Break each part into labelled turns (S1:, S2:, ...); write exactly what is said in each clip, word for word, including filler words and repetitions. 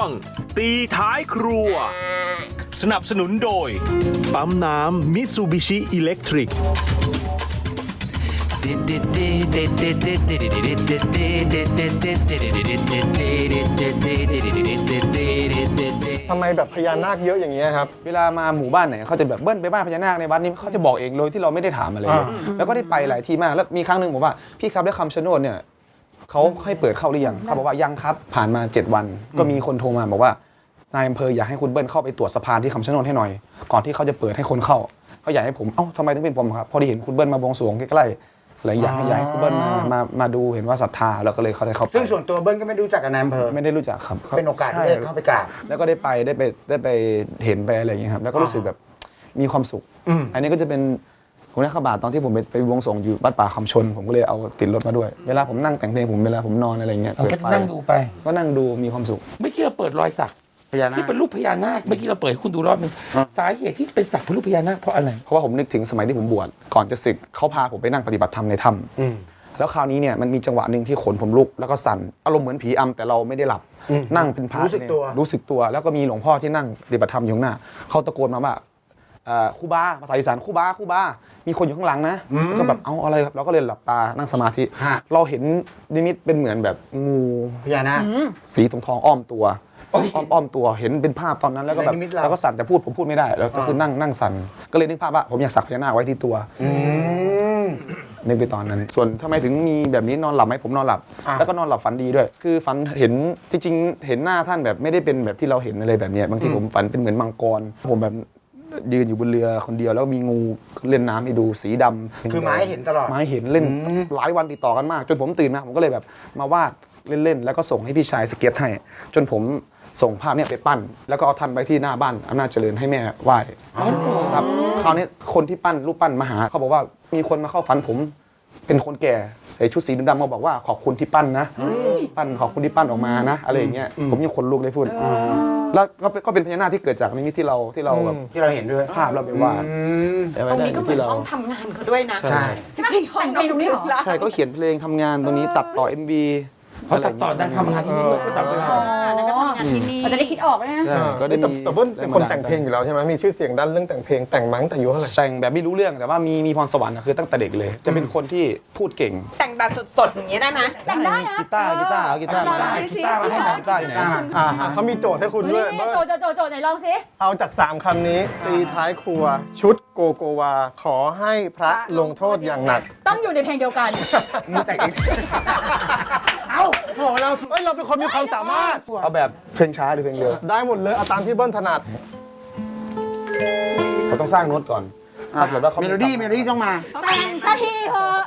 S1: ตีท้ายครัวสนับสนุนโดยปั๊มน้ำมิตซูบิชิอิเล็กทริก
S2: ทำไมแบบพญานาคเยอะอย่างเงี้ยครับ
S3: เวลามาหมู่บ้านไหนเขาจะแบบเบิ้ลไปบ้านพญานาคในวัดนี้เขาจะบอกเองโดยที่เราไม่ได้ถามอะไรเลยแล้วก็ได้ไปหลายที่มากแล้วมีครั้งหนึ่งผมว่าพี่ครับได้คำชะโนดเนี่ยเขาให้เปิดเข้าหรือยังเขาบอกว่ายังครับผ่านมาเจ็ดวันก็มีคนโทรมาบอกว่านายอำเภออยากให้คุณเบิ้ลเข้าไปตรวจสะพานที่คำชะโนดให้หน่อยก่อนที่เขาจะเปิดให้คนเข้าเขาอยากให้ผมเอ้าทำไมถึงเป็นผมครับพอดีเห็นคุณเบิ้ลมาบวงสรวงใกล้ๆเลยอยากให้อยากให้คุณเบิ้ลมามามาดูเห็นว่าศรัทธาแล้วก็เลยเขาได้เข้าไป
S4: ซึ่งส่วนตัวเบิ้ลก็ไม่รู้จักกับนายอำเภอ
S3: ไม่ได้รู้จักครับ
S4: เป็นโอกาสที่ได้เข้าไปกราบ
S3: แล้วก็ได้ไปได้ไปได้ไปเห็นไปอะไรอย่างเงี้ยครับแล้วก็รู้สึกแบบมีความสุขอันนี้ก็จะเป็นผมได้ข่าวบาทตอนที่ผมไปไปบวงสรวงอยู่วัดป่าคำชนผมก็เลยเอาติดรถมาด้วยเวลาผมนั่งแต่งเพลงผมเวลาผมนอนอะไรเงี้ยเปิดไฟ
S5: นั่งดูไป
S3: ก็นั่งดูมีความสุข
S5: ไม่เชื่อเปิดรอยสักที่เป็นรูปพญานาคเมื่อกี้เราเปิดให้คุณดูรอบนึงสาเหตุที่เป็นสักเป็นรูปพญานาคเพราะอะไร
S3: เพราะว่าผมนึกถึงสมัยที่ผมบวชก่อนจะศึกเขาพาผมไปนั่งปฏิบัติธรรมในถ้ำแล้วคราวนี้เนี่ยมันมีจังหวะหนึ่งที่ขนผมลุกแล้วก็สั่นอารมณ์เหมือนผีอำแต่เราไม่ได้หลับนั่งเป็นพระ
S4: รู้สึกตัว
S3: รู้สึกตัวแล้วก็มีหลวงพ่อที่นั่งปฏิบัติธรรมอยู่ข้างหน้าเขาตะโกนมาว่าครูบาภาษาอีสานครูบาครูบามีคนอยู่ข้างหลังนะก็แบบเอาอะไรครับเราก็เลยหลับตานั่งสมาธิเราเห็นนิมิตเป็นเหมือนแบบงู
S4: พญานาค
S3: สีทองทองอ้อมตัวอ้อมอ้อมตัวเห็นเป็นภาพตอนนั้นแล้วก็แบบแล้วก็สั่นแต่พูดผมพูดไม่ได้แล้วก็คือนั่งนั่งสั่นก็เลยนึกภาพว่าผมอยากสักพญานาคไว้ที่ตัวนึกไปตอนนั้นส่วนทำไมถึงมีแบบนี้นอนหลับไหมผมนอนหลับแล้วก็นอนหลับฝันดีด้วยคือฝันเห็นจริงๆเห็นหน้าท่านแบบไม่ได้เป็นแบบที่เราเห็นอะไรแบบนี้บางทีผมฝันเป็นเหมือนมังกรผมแบบยืนอยู่บนเรือคนเดียวแล้วมีงูเล่นน้ำให้ดูสีดำ
S4: คือไม้เห็นตลอด
S3: ไม้เห็นเล่นหลายวันติดต่อกันมากจนผมตื่นมาผมก็เลยแบบมาวาดเล่นๆแล้วก็ส่งให้พี่ชายสเก็ตให้จนผมส่งภาพนี้ไปปั้นแล้วก็เอาท่านไปที่หน้าบ้านอำนาจเจริญให้แม่ไหว้ครับคราวนี้คนที่ปั้นรูปปั้นมาหาเขาบอกว่ามีคนมาเข้าฝันผมเป็นคนแก่ใส่ชุดสีดำๆมาบอกว่าขอบคุณที่ปั้นนะปั้นขอบคุณที่ปั้นออกมานะอะไรอย่างเงี้ยผมยังขนลุกเลยพูดแล้วก็เป็นพญานาคที่เกิดจากนิมิตที่เราที่เราแบบ
S4: ที่เราเห็นด้วย
S3: ภาพเราไปวาด
S6: ตรงนี้ก็เหมือนห้องทำงานเขาด้วยนะ
S4: ใช่
S6: จริงๆห้องแต่งตรงนี้หรอ
S3: ใช่ก็เขียนเพลงทำงานตรงนี้ตัดต่อ เอ็ม วี
S5: เขาตัดต่อดังทำงานที่นี่ด้วยก็ตัดไป
S6: อ๋อนั่นก็ทำงานที่นี่
S7: เราจะได้คิดออกนะ
S3: ก็ได้
S2: แต่เบิ้ลเป็นคนแต่งเพลงอยู่แล้วใช่ไหมมีชื่อเสียงด้านเรื่องแต่งเพลงแต่งมาตั้งแต่อายุเท่าไหร่
S3: แต่งแบบไม่รู้เรื่องแต่ว่ามีมีพรสวรรค์คือตั้งแต่เด็กเลยจะเป็นคนที่พูดเก่ง
S6: แต่งแบบสดๆอย่างเงี้ยได้ไหม
S7: แต่งได้นะ
S3: กีตาร์กีตาร์กีตาร์
S5: กีตาร์มาให้
S3: กีตาร์อยู่ไหน
S2: อ่าเขามีโจทย์ให้คุณด้วย
S7: โจทย์โจทย์โจทย์ไหนลองสิ
S2: เอาจากสามคำนี้ตีท้ายครัวชุดโกโกวาขอให้พระลงโทษอย่างหนัก
S7: ต้องอยู่ในเพลงเดียวกัน
S3: มึงแต่งเอง
S2: เอาโหเราเอ้ยเราเป็นคนมีความสามารถ
S3: เอาแบบเพลงช้าหรือเพลงเร็ว
S2: ได้หมดเลยเอาตามที่เบิ้ลถนัด
S3: เขาต้องสร้างโน้ตก่อน
S4: เมโลดี้เมโลดี้ต้องมา
S7: แต่งสักทีเถอะ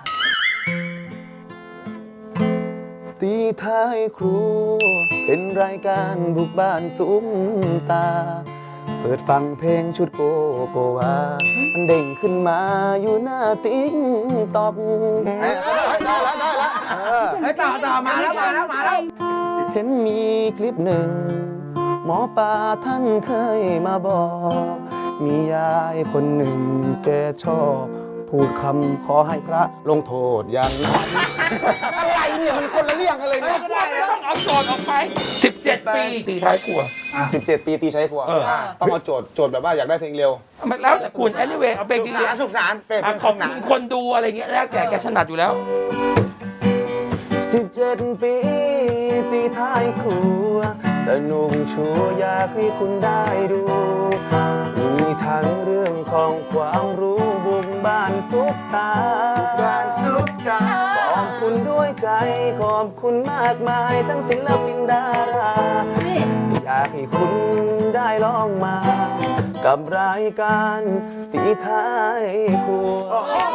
S3: ตีท้ายครัวเป็นรายการบุกบ้านซุ้มตาเปิดฟังเพลงชุดโกโกวามันเด้งขึ้นมาอยู่หน้าติ๊กตอก
S4: ได้แล้วได้แล้วไอ้ต่อต่อมาแล้วมาแล้วมาแล้ว
S3: เห็นมีคลิปหนึ่งหมอปลาท่านเคยมาบอกมียายคนหนึ่งแกชอบพูดคำขอให้พระลงโทษอย่างนั้นอะไรเนี่ยมันคนละเรื่องกันเลยเนี่ย
S5: ต้องเอาโจทย์ออกไปสิบเจ็ดปีตีท้ายครัว
S3: สิบเจ็ดปีตีท้ายครัวต้องเอาโจทย์โจทย์แบบว่าอยากได้เพลงเร็ว
S5: แล้วแต่คุณ anyway เอาเพลงดี
S4: ๆสุขสันต์เป็น
S5: ขอบคุณคนดูอะไรเงี้ยแล้วแกแกถนัดอยู่แล้ว
S3: สิบเจ็ดปีตีท้ายครัวสนุกชัวอยากให้คุณได้ดูมีทั้งเรื่องของความรู้บุกบ้านซุปตา
S4: บ้านซุปตา
S3: ขอบคุณด้วยใจขอบคุณมากมายทั้งศิลปินดาราอยากให้คุณได้ลองมากับรายการตีท้ายครัว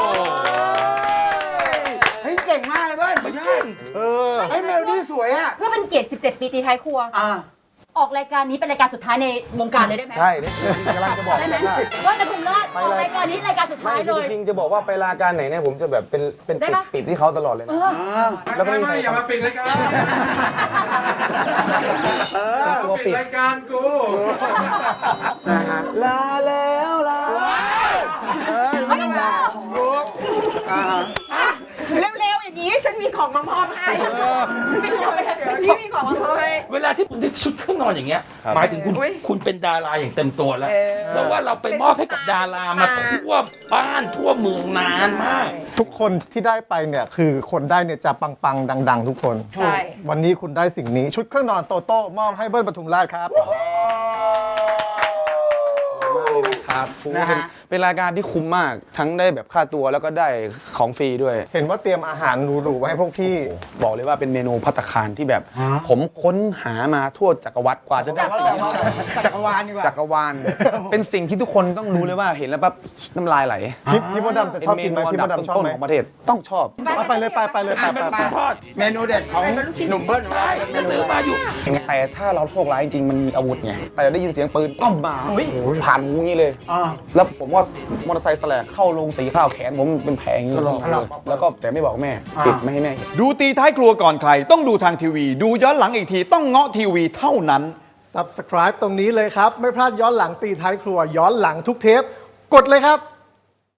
S4: เก่งมากเลยเว้ยไม่ใช่เออไอ้เมโลดี้สวยอ่ะ
S7: เพื่อเป็นเกียรติสิบเจ็ดปีตีท้ายครัวออกรายการนี้เป็นรายการสุดท้ายในวงการเลยได้ไหม
S3: ใช่นี่กำลังจะบอก
S7: ได้ไหมว่าจะคุณรอดออกรายการนี้รายการสุดท้ายเลย
S3: จริงๆจะบอกว่าไปรายการไหนเนี่ยผมจะแบบเป็นเป็นปิดที่เขาตลอดเลยนะ
S5: แล้วไม่ไม่อย่ามาปิดรายการตัวปิดรายการกู
S3: ลาแล้วลา
S6: ไม่มาเร็วๆอย่างนี้ฉันมีของมามอบให้ไม่เดี๋ยวที่มีของมามอบให้
S5: เวลาลาที่คุณได้ชุดเครื่องนอนอย่างเงี้ย หมายถึงคุณ
S6: อุ๊ย
S5: คุณเป็นดาราอย่างเต็มตัวแล้ว
S6: เออ
S5: เพราะว่าเราไปมอบให้กับดารามาทั่วบ้านทั่วเมืองนานมาก
S2: ทุกคนที่ได้ไปเนี่ยคือคนได้เนี่ยจะปังๆดัง ๆ ทุกคน
S6: ใช่
S2: วันนี้คุณได้สิ่งนี้ชุดเครื่องนอนโตโต้มอบให้เบิ้ลปทุมราชครับ
S3: ครับเป็นเป็นรายการที่คุ้มมากทั้งได้แบบค่าตัวแล้วก็ได้ของฟรีด้วย
S2: เห็นว่าเตรียมอาหารหรูๆไว้ให้พวกพี่
S3: บอกเลยว่าเป็นเมนูภัตตาคารที่แบบ ผมค้นหามาทั่วจักรวรรดิกว่าจะได้สิ่งนี้
S4: จักรวาลดีกว่า
S3: จักรวาล เป็นสิ่งที่ทุกคนต้องรู้เลยว่าเห็นแล้วปั๊บน้ำลายไหล
S2: พี่พี่มดดำจะชอบกินไหม
S3: เป็
S2: พี่
S3: เม
S2: ม
S3: นู
S2: ด
S3: อันดับ
S2: ดำชอบ
S3: ต้น
S2: ไหม
S3: ๆของประเทศต้องชอบ
S2: ไปไปเลยไปไปเลยไป
S5: อ่ะ
S2: ไป
S5: เป็น
S2: ไป
S5: ลูกชิ้นทอด
S4: เมนูเด็ดของหนุ่มเบิ้ลของเรา
S5: ใช่
S4: เป็นเมนู
S5: ซื้อมาอยู่
S3: แต่ถ้าเราโชคร้ายจริงๆมันมีอาวุธไงแต่ได้ยินเสียงปืนก้มมาผ่านหูงี้เลย
S4: อ่า
S3: แล้วผมว่ามอเตอร์ไซค์แสลกเข้าลงสีข้าวแขนผมเป็นแผลอย่างนี้แล้วก็แต่ไม่บอกแม่ปิดไม่ให้แม่เห็น
S8: ดูตีท้ายครัวก่อนใคร ต้องดูทางทีวี ดูย้อนหลังอีกทีต้องเงาะทีวีเท่านั้น
S2: Subscribe ตรงนี้เลยครับ ไม่พลาดย้อนหลังตีท้ายครัวย้อนหลังทุกเทป กดเลยครับ